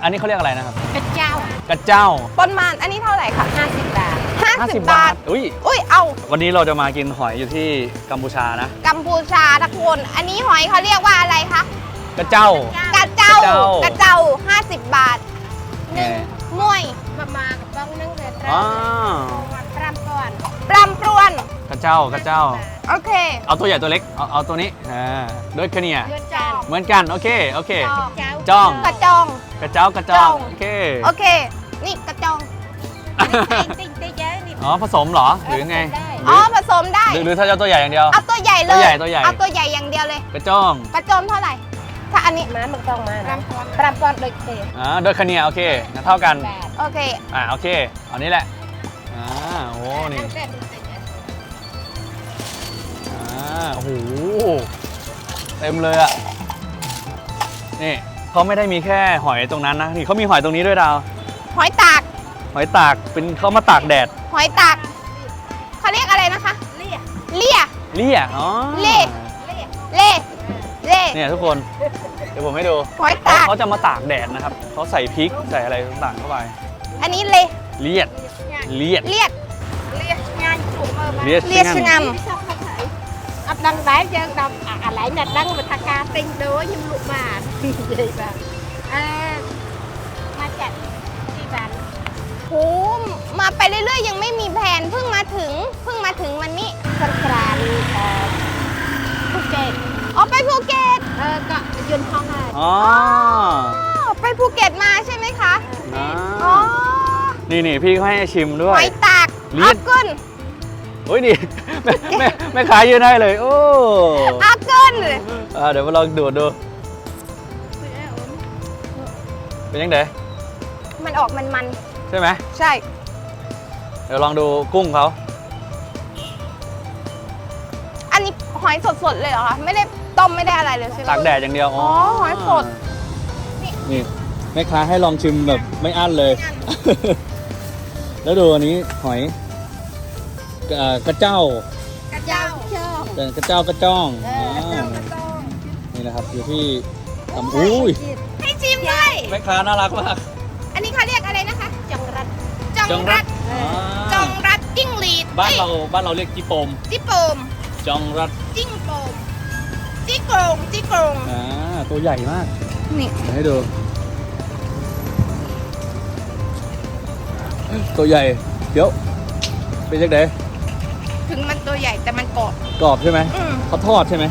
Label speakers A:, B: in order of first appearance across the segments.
A: อันนี้เขาเรียกอะไรนะครับ
B: กระเจ้าก
A: ระเจ้า
C: ปนมันอันนี้เท่าไหร่คะ
B: 50 บาท
C: 50 บาทอุ้ยเอา
A: วันนี้เราจะมากินหอยอยู่ที่กัมพูชานะ
C: กัมพูชาทุกคนอันนี้หอยเขาเรียกว่าอะไรคะ
A: กระเจ้าก
C: ระเจ้ากระเจ้า50 บาท1มวย
B: มากับบ้องนั่งเดือด
A: อ๋อ
B: ปรำก่อน
C: ปรำปรวน
A: กระเจ้ากระเจ้า
C: โอเค
A: เอาตัวใหญ่ตัวเล็กเอาตัวนี้ด้วยคะเนีย
B: เดือดจาน
A: เหมือนกันโอเค
B: จ้อง
C: กระจอง
A: กระเจ้ากระจ้องโอเค
C: โอเคนี่กระจอง
B: ติ๊งเยอะนี่
A: อ๋อผสมเหรอหรือไง
C: อ๋อผสมได้
A: หรือถ้าจะตัวใหญ่อย่างเดียว
C: เอาตัวใหญ่เลย
A: ตัวใหญ่
C: เอาตัวใหญ่อย่างเดียวเลย
A: กระจ้อง
C: กระจอมเท่าไหร่ ถ้าอันนี้
B: มันต้องมาปรำก่อนโดยเตะ
A: ด้วยคะเนียโอเคงั้นเท่ากัน
C: โอเค
A: โอเคเอานี้แหละโอ้นี่โอ้โหเต็มเลยอ่ะนี่เขาไม่ได้มีแค่หอยตรงนั้นนะนี่เขามีหอยตรงนี้ด้วยดาว
C: หอยตาก
A: หอยตากเป็นเขามาตากแดด
C: หอยตากเขาเรียกอะไรนะคะ
B: เลี่ย
C: เลี่ย
A: เลี่ยอ๋อ
C: เลี่ย เล่เล่
A: เนี่ยทุกคนเดี๋ยวผมให้ดู
C: หอยตาก
A: เขาจะมาตากแดดนะครับเขาใส่พริกใส่อะไรต่างๆเข้าไป
C: อันนี้เล่
A: เลียดเลียด
C: เลียด
B: เลี่ยงานถูกมือมา
A: เลียด
C: เลียดชะง
B: อับดังได้ยังดำอะไรนัดดังเป็นทากาติงโดยยิมลุกมาใหญ่แบบมาจัดที่บ้าน
C: ำโหมาไปเรื่อยๆ ยังไม่มีแผนเพิ่งมาถึงวันนี้
B: สงกรานต์ภูเก็ต
C: อ๋อไปภูเก็ต
B: ก็ยืนห้องอะไร
A: อ๋อ
C: ไปภูเก็ตมาใช่ไหมคะ อ๋อ
A: นี่พี่เขาให้ชิมด้
C: ห
A: วย
C: อยตาก
A: เลีย
C: อา
A: ด
C: เกิน
A: โอ้ยดีแม่ขายยืนให้เลยโอ้
C: อาเกิน
A: เดี๋ยวมาลองดูดเป็นยังไง
C: มันออกมัน
A: ใช่ไหม
C: ๆ ใช่
A: เดี๋ยวลองดูกุ้งเขา
C: อันนี้หอยสดๆ เลยเหรอคะ ไม่ได้ต้มไม่ได้อะไรเลยใช่ไหม
A: ตากแดดอย่างเดียว
C: อ๋อหอยสด
A: นี่แม่ค้าให้ลองชิมแบบไม่อั้นเลย แล้วดูอันนี้หอยกระเจ้าก
B: ระเจ้าเชื่อก
A: ระเจ้ากระจ้อง
B: กระเจ้ากระจ้อง
A: นี่นะครับอยู่ที่อุ้ย
C: ให้ชิมด้วย
A: แม่ค้าน่ารักมาก
C: อันนี้เขาเรียกอะไรนะคะ
B: จังรัด
C: จองรัด จองรัดจิ้งหรีด
A: บ้านเราเรียกจีโปม
C: จิโปม
A: จองรัด
C: จิ้งโปมจิโกรงจิโกรง
A: ตัวใหญ่มาก
C: นี่
A: เดี๋ยวให้ดูตัวใหญ่เดี๋ยวเป็นยังไง
C: ถึงมันตัวใหญ่แต่มันเกาะ
A: กรอบใช่ไหม
C: อืม
A: เขาทอดใช่ไหม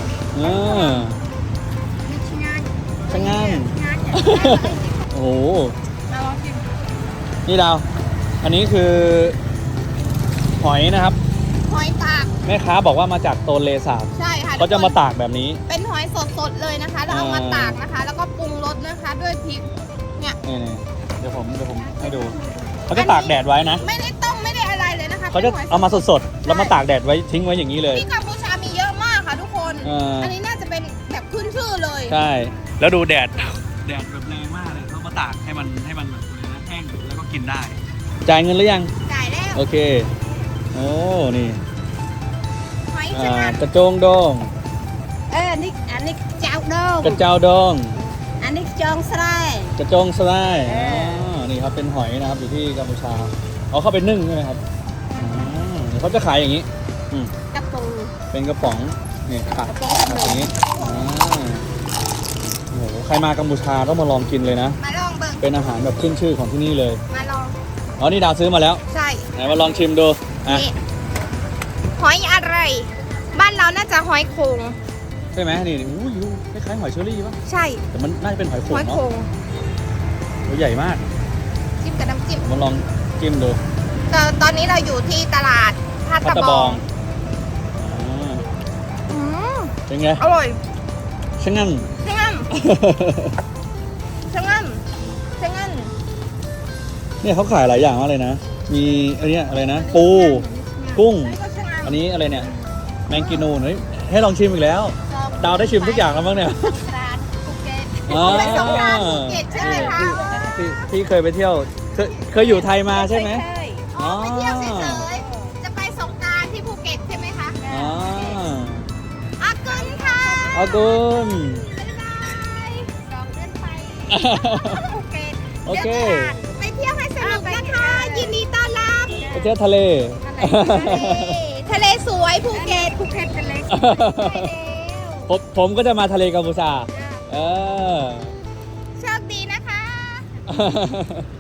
A: ช่างงาน โอ้โห
C: เราลองชิม
A: นี่ดาว อันนี้คือหอยนะครับ
C: หอยตาก
A: แม่ค้าบอกว่ามาจากโตนเลสาบ
C: ใช่ค่ะ
A: เขาจะมา
C: ทุกคน
A: ตากแบบนี้
C: เป็นหอยสดๆเลยนะคะแล้วเอามาตากนะคะ แล้วก็ปรุงรสนะคะด้วยพริก เนี่ย
A: นี่เดี๋ยวผมให้ดู เขาจะตากแดดไว้นะ
C: ไม่ได้ต้มไม่ได้อะไรเลยนะคะ
A: เขาจะ
C: ป็นหย
A: เอามาสดๆ แล้วมาตากแดดไว้ทิ้งไว้อย่างนี้เลย
C: ที่กัมพูชามีเยอะมากค่ะทุกคน อันนี้น่าจะเป็นแบบขึ้นชื่อเลย
A: ใช่ แล้วดูแดดแบบแรงมากเลยเขามาตากให้มันแบบแห้งแล้วก็กินได้ จ่ายเงินหรือยัง
C: จ่ายแล้ว
A: โอเค โอ้ นี่
C: หอยชะงัน
A: กระโจงดอง
B: อันนี้เจ้าดอง
A: กระเจ้าดอง
B: อันนี้จองสไลด์
A: กระโจงสไลด์นี่ครับเป็นหอยนะครับอยู่ที่กัมพูชาเอาเข้าไปนึ่งใช่ไหมครับเดี๋ยวเขาจะขายอย่างนี้
B: กระปู
A: เป็นกระป๋องนี่ตักอย่างนี้โอ้โหใครมากัมพูชาต้องมาลองกินเลยนะ
C: มาลองเบิ่ง
A: เป็นอาหารแบบขึ้นชื่อของที่นี่เลย
C: มาลอง
A: อ๋อนี่ดาวซื้อมาแล้ว
C: ใช่
A: ไหนมาลองชิมดูอ่ะ
C: นี่หอยอะไร บ้านเราน่าจะหอยโขง
A: ใช่ไหมนี่อู้ยคล้ายๆหอยเชอรี่ป่ะ
C: ใช่
A: แต่มันน่าจะเป็นหอยโข
C: ห
A: ง
C: อยโข
A: เนาะ
C: ง
A: ตัวใหญ่มาก
C: จิ้มกับน้ำจิ้ม
A: มาลองจิ้มดู
C: ตอนนี้เราอยู่ที่ตลาดพัต
A: พัต
C: ตา
A: ตา
C: บบ อ
A: อง งอ่า
C: อืม
A: เป็นไง
C: อร่อย
A: ช่างงั้น
C: ชะงันชะงันชะงัน
A: เนี่ยเขาขายหลายอย่างมากเลยนะ มีอันเนี้ยอะไรนะ ปู กุ้ง
C: แล้วก็ชะงัน
A: อันนี้อะไรเนี่ย แมงกินูนเฮ้ยให้ลองชิมอีกแล้ว ดาวได้ชิมทุกอย่างแล้วมั้งเนี่ย
B: ร้านภูเก็ต
C: ไปสงกรานต์ภูเก็ตใช่ไหมคะ
A: พี่เคยไปเที่ยว เคยอยู่ไทยมาใช่ไหม
C: อ๋อไปเที่ยวเฉยๆจะไปสงกรานต์ที่ภูเก็ตใช่ไหมคะ
A: อ๋อ
C: อากุนค่ะ
A: อากุน
C: บ๊ายบาย
B: 2 เดือนไปภูเก็ต
A: โอเค
C: ไปเที่ยวให้สนุกนะคะยินดีต้อนรับ
A: ไปเที่ยวทะเล
C: ทะเลสวยภูเก็ต
B: ภูเก็ตทะเล
A: ผมก็จะมาทะเลกัมพูชา เออ
C: โชคดีนะคะ